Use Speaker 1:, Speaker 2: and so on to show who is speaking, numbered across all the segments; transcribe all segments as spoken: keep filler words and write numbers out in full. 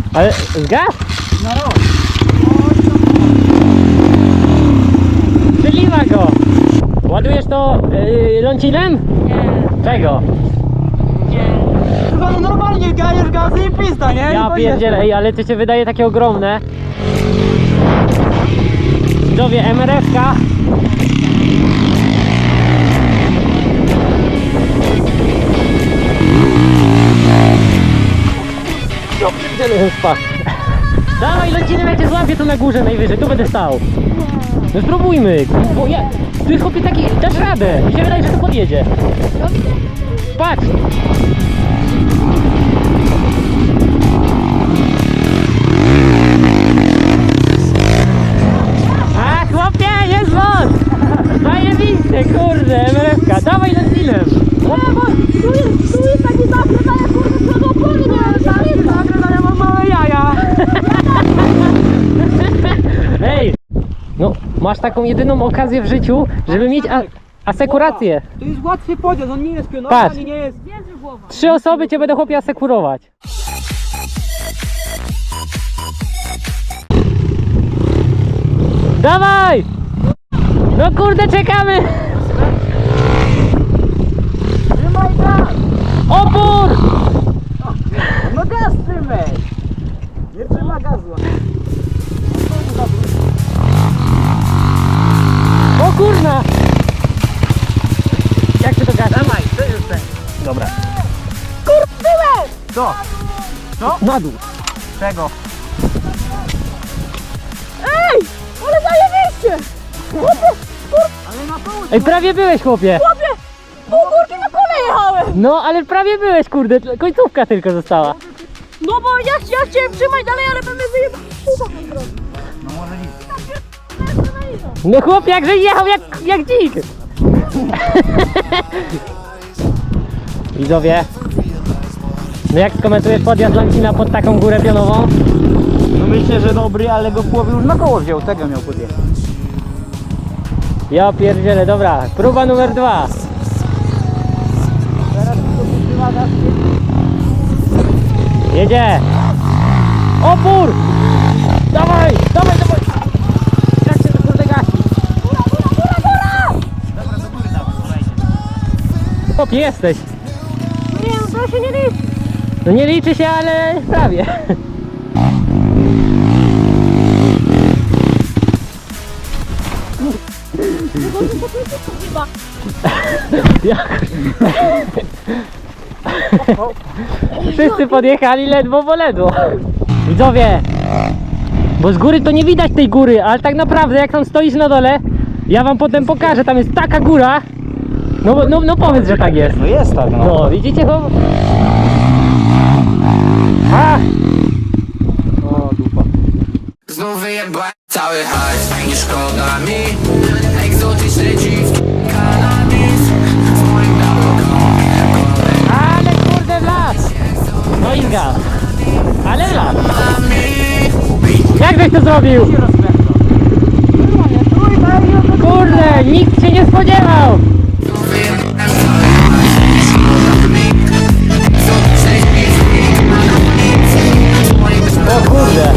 Speaker 1: Ale zgas?
Speaker 2: Na rok.
Speaker 1: Wyliwa go! Ładujesz to yy, lącinem?
Speaker 3: Nie,
Speaker 1: Czego?
Speaker 3: nie.
Speaker 2: Chyba no normalnie gajesz gazy i pizda, nie?
Speaker 1: Ja
Speaker 2: I
Speaker 1: pierdzielę, ej, ale to się wydaje takie ogromne. Widzowie, M R F-ka. No, pierdzielę, spadł. Dawaj, lecimy, ja cię złapię tu na górze najwyżej, tu będę stał. No spróbujmy, bo ja... Tu jest chłopie taki... Dasz radę, mi się wydaje, że to podjedzie. Patrz! A chłopie, jest moc! Zajebiście, kurde, M R F-ka, dawaj lędzinem!
Speaker 3: Nie, bo tu jest, tu jest taki zakręt, kurde, co do opory nie mam zakręt.
Speaker 2: Zakręt, ale ja mam małe jaja.
Speaker 1: Ej! No, masz taką jedyną okazję w życiu, żeby mieć a asekurację.
Speaker 2: To jest łatwy podjazd, on nie jest pionowy,
Speaker 1: Patrz.
Speaker 2: ani nie jest...
Speaker 3: Wierzy głowa.
Speaker 1: Trzy osoby cię będą chłopie asekurować. Dawaj! No kurde, czekamy!
Speaker 2: Trzymaj gaz!
Speaker 1: Opór!
Speaker 2: No gaz trzymaj! Nie trzyma gazu.
Speaker 1: O kurna! Jak się to gada?
Speaker 2: Dawaj, to jest ten.
Speaker 1: Dobra.
Speaker 3: Byłem!
Speaker 2: Co? Co?
Speaker 1: Na dół.
Speaker 2: Czego?
Speaker 3: Ej! Ale zajebiście!
Speaker 2: Ale na południe.
Speaker 1: Ej, prawie byłeś chłopie!
Speaker 3: Chłopie! Pół górki na kole jechałem!
Speaker 1: No, ale prawie byłeś kurde, końcówka tylko została.
Speaker 3: No bo ja, ja chciałem trzymać dalej, ale bym mnie wyjebał.
Speaker 2: No może nic.
Speaker 1: No chłopie, jakże jechał jak, jak dzik! Widzowie, no jak skomentujesz podjazd Lancina pod taką górę pionową?
Speaker 2: No myślę, że dobry, ale go w połowie już na koło wziął, tego miał podjechać.
Speaker 1: Ja pierdzielę, dobra, próba numer dwa.
Speaker 2: Teraz tylko trzyma gaz.
Speaker 1: Jedzie! Opór! Dawaj, dawaj, dawaj! Jak się to kurde gasi?
Speaker 3: Góra, góra, góra, góra!
Speaker 2: Dobra, do góry dawaj, kolejnie.
Speaker 1: Chłopie, jesteś.
Speaker 3: Nie, no to się nie liczy.
Speaker 1: No nie liczy się, ale prawie.
Speaker 3: Chyba.
Speaker 1: Jak? Wszyscy podjechali ledwo, bo ledwo. Widzowie, bo z góry to nie widać tej góry, ale tak naprawdę jak tam stoisz na dole, ja wam potem pokażę, tam jest taka góra. No, no, no powiedz, że tak jest.
Speaker 2: No jest tak, no.
Speaker 1: No, widzicie to? A!
Speaker 2: O, dupa.
Speaker 4: Znów wyjebałem cały hajs, nie szkoda mi. Egzotyczne dziwki, kanabis w moim białym
Speaker 1: Ale kurde w las! No i zgas. Ale w las. Jak żeś to zrobił? Kurde, nikt się nie spodziewał! O kurde!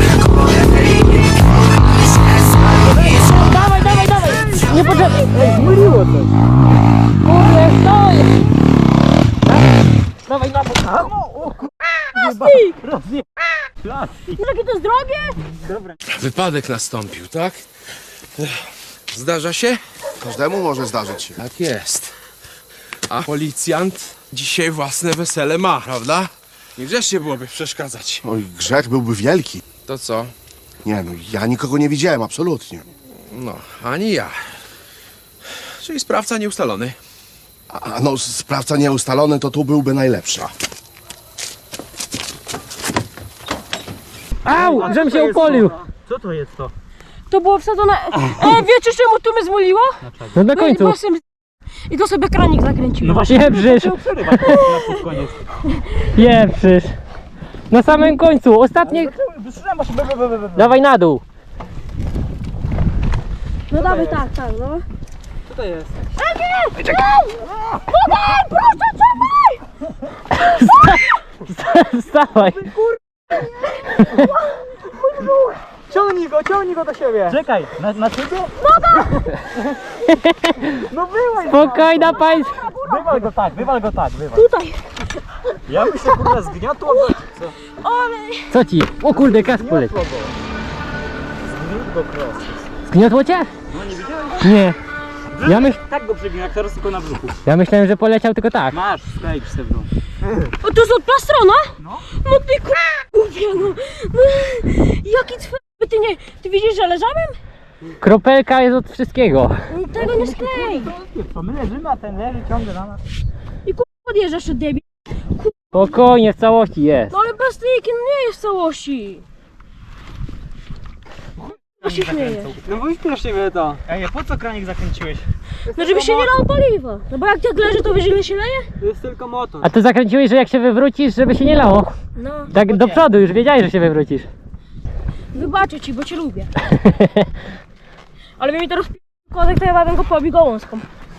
Speaker 1: Dawaj, dawaj, dawaj! Nie potrzebny! Ej, zmyliło coś! Kurde, stoi! Dawaj, na bok!
Speaker 3: Plastik!
Speaker 2: Rozje... Plastik.
Speaker 3: Jakie to jest drogie?
Speaker 2: Dobra.
Speaker 5: Wypadek nastąpił, tak? Zdarza się?
Speaker 6: Każdemu może zdarzyć się.
Speaker 5: Tak jest. A policjant dzisiaj własne wesele ma, prawda? Niegrzecznie byłoby przeszkadzać.
Speaker 6: Oj, grzech byłby wielki.
Speaker 5: To co?
Speaker 6: Nie no, ja nikogo nie widziałem, absolutnie.
Speaker 5: No, ani ja. Czyli sprawca nieustalony.
Speaker 6: A no, sprawca nieustalony to tu byłby najlepszy.
Speaker 1: Au!
Speaker 2: A
Speaker 1: Żem
Speaker 2: co to
Speaker 1: się
Speaker 2: jest
Speaker 1: upolił!
Speaker 2: to? Co to jest to?
Speaker 3: To było wsadzone... E, wiecie czemu tu mnie zmuliło?
Speaker 1: No na końcu!
Speaker 3: Bo jestem- I to sobie kranik zakręciłem.
Speaker 2: właśnie,
Speaker 1: Pieprzysz!
Speaker 2: to przerywać na pod koniec.
Speaker 1: Pieprzysz! Na samym końcu, ostatnie...
Speaker 2: Wyszedłem, się be, be, be, be, be.
Speaker 1: Dawaj na dół!
Speaker 3: No dawaj, tak, tak, no.
Speaker 2: Co to jest?
Speaker 3: Podaj, proszę, czekaj!
Speaker 1: Wstawaj!
Speaker 2: Ciągnij go, ciągnij go do siebie. Czekaj, na, na ciebie? No byłeś.
Speaker 1: Spokojna państwa.
Speaker 2: Wywal go tak, wywal go tak, wywal.
Speaker 3: Tutaj.
Speaker 2: Ja bym się kurwa zgniotło go. Co?
Speaker 3: Ale...
Speaker 1: Co ci? O kurde, kask poleciał.
Speaker 2: Zgniotło go. Zgniótł go cross.
Speaker 1: Zgniotło cię?
Speaker 2: No nie widziałeś?
Speaker 1: Nie. Ja, myśl,
Speaker 2: Tak go przygniał, jak teraz tylko na brzuchu.
Speaker 1: ja myślałem, że poleciał tylko tak.
Speaker 2: Masz, sklejcz se w dół.
Speaker 3: O, to jest od plastrona?
Speaker 2: No.
Speaker 3: No ty kurwa, no. no. Jaki cwer... Ty nie... Ty widzisz, że leżałem?
Speaker 1: Kropelka jest od wszystkiego.
Speaker 3: Tego nie sklej.
Speaker 2: Co, my leżymy, a ten leży ciągle na nas.
Speaker 3: I kurwa podjeżdżasz od debil.
Speaker 1: Spokojnie, w całości jest.
Speaker 3: No ale plastiki no nie jest w całości. Co się śmieje?
Speaker 2: No bo już siebie to. Ej, po co kranik zakręciłeś?
Speaker 3: No żeby się nie lało paliwa. No bo jak tak leży, to wiesz ile się leje?
Speaker 2: To jest tylko motor.
Speaker 1: A ty zakręciłeś, że jak się wywrócisz, żeby się nie lało.
Speaker 3: No.
Speaker 1: Tak do przodu, już wiedziałeś, że się wywrócisz.
Speaker 3: Wybaczę ci, bo cię lubię. Ale mi teraz kodek, to ja bym go pobił gołązką.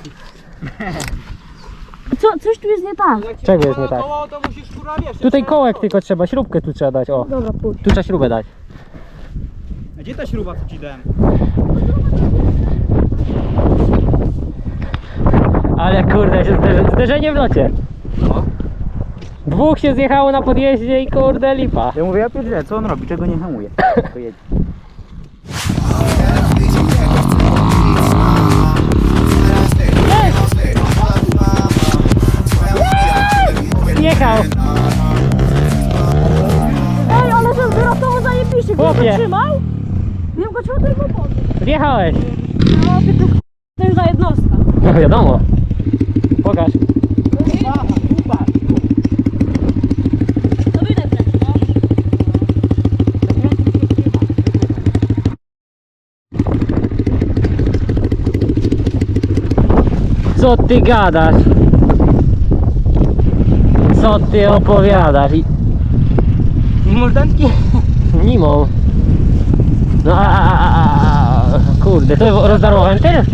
Speaker 3: Co, coś tu jest nie tak.
Speaker 1: Czego jest nie tak?
Speaker 2: Koło, to musisz kurwa wiesz.
Speaker 1: Tutaj kołek tylko trzeba, śrubkę tu trzeba dać, o.
Speaker 3: Dobra, pójdź.
Speaker 1: Tu trzeba śrubę dać.
Speaker 2: A gdzie ta śruba, co ci dałem?
Speaker 1: Ale kurde, się zderzy, zderzenie w locie. Dwóch się zjechało na podjeździe i kurde lipa.
Speaker 2: Ja mówię, ja pierdzielę, co on robi, czego nie hamuje? To jedzie.
Speaker 1: Jechał.
Speaker 3: Ej, ale to wyrosło zajebiście. Gdybyś
Speaker 1: Chłopie.
Speaker 3: go trzymał, gdybym go trzymał, to bym go podniósł.
Speaker 1: Wjechałeś.
Speaker 3: No, ty to to już za jednostka.
Speaker 1: No wiadomo. Pokaż.
Speaker 3: To widać wtedy, no.
Speaker 1: Co ty gadasz? Co ty opowiadasz? I...
Speaker 2: Mordanki?
Speaker 1: Nimą. No a, a, a, a, a kurde, to rozdarło wentyl?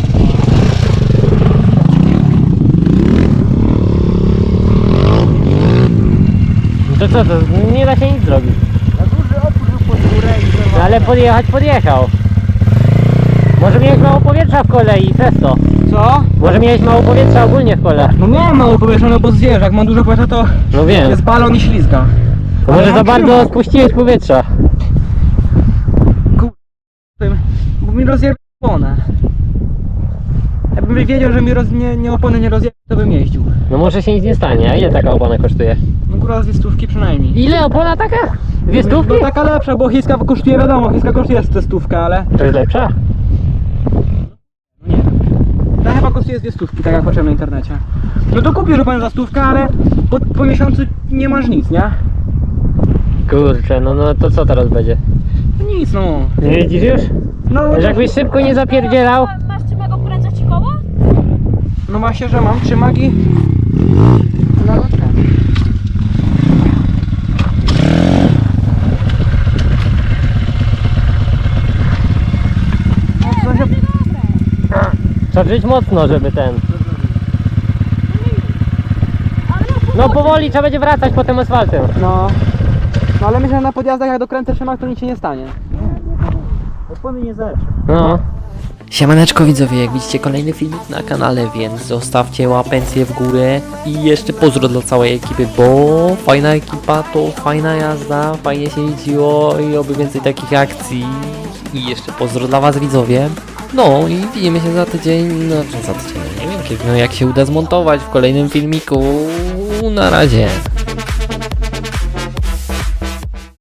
Speaker 1: To co to? Nie da się nic zrobić.
Speaker 2: Na duży opór był pod górę i
Speaker 1: No,
Speaker 2: zerwał.
Speaker 1: ale podjechać podjechał. Może miałeś mało powietrza w kole i przez to.
Speaker 2: Co?
Speaker 1: Może miałeś mało powietrza ogólnie w kole.
Speaker 2: No miałem mało powietrza, no bo zwierz, jak mam dużo powietrza to
Speaker 1: No wiem.
Speaker 2: jest balon i ślizga.
Speaker 1: To
Speaker 2: Ale
Speaker 1: może za
Speaker 2: mam
Speaker 1: bardzo
Speaker 2: siłę.
Speaker 1: spuściłeś powietrza.
Speaker 2: Bo mi rozjebał oponę. Jakbym wiedział, że mi roz... nie, nie opony nie rozjebał, to bym jeździł.
Speaker 1: No może się nic nie stanie. A ile taka opona kosztuje?
Speaker 2: No kurwa z dwie stówki przynajmniej.
Speaker 1: Ile opona taka? Dwie stówki?
Speaker 2: No taka lepsza, bo chińska kosztuje, wiadomo, chińska kosztuje ze stówkę, ale...
Speaker 1: To jest lepsza?
Speaker 2: No nie wiem. Ta chyba kosztuje z dwie stówki, tak jak patrzyłem na internecie. No to kupisz oponię za stówkę, ale po, po miesiącu nie masz nic, nie?
Speaker 1: Kurczę, no, no to co teraz będzie?
Speaker 2: No nic, no.
Speaker 1: Nie widzisz już?
Speaker 2: No,
Speaker 1: Że jakbyś szybko nie zapierdzielał.
Speaker 3: Masz czym go kręcać ci koło?
Speaker 2: no właśnie, że mam trzymak i... No, no, tak. No, co się...
Speaker 1: Trzeba żyć mocno, żeby ten...
Speaker 3: Ale
Speaker 1: No powoli trzeba będzie wracać po tym asfaltem.
Speaker 2: No. No ale myślę, że na podjazdach jak dokręcę trzymak, to nic się nie stanie. Opony nie zetrze.
Speaker 1: No.
Speaker 7: Siemaneczko widzowie, jak widzicie kolejny filmik na kanale, więc zostawcie łapencję w górę i jeszcze pozdro dla całej ekipy, bo fajna ekipa to fajna jazda, fajnie się jeździło i oby więcej takich akcji i jeszcze pozdro dla was widzowie. No i widzimy się za tydzień, no czy za tydzień, nie wiem kiedy, no jak się uda zmontować w kolejnym filmiku, na razie.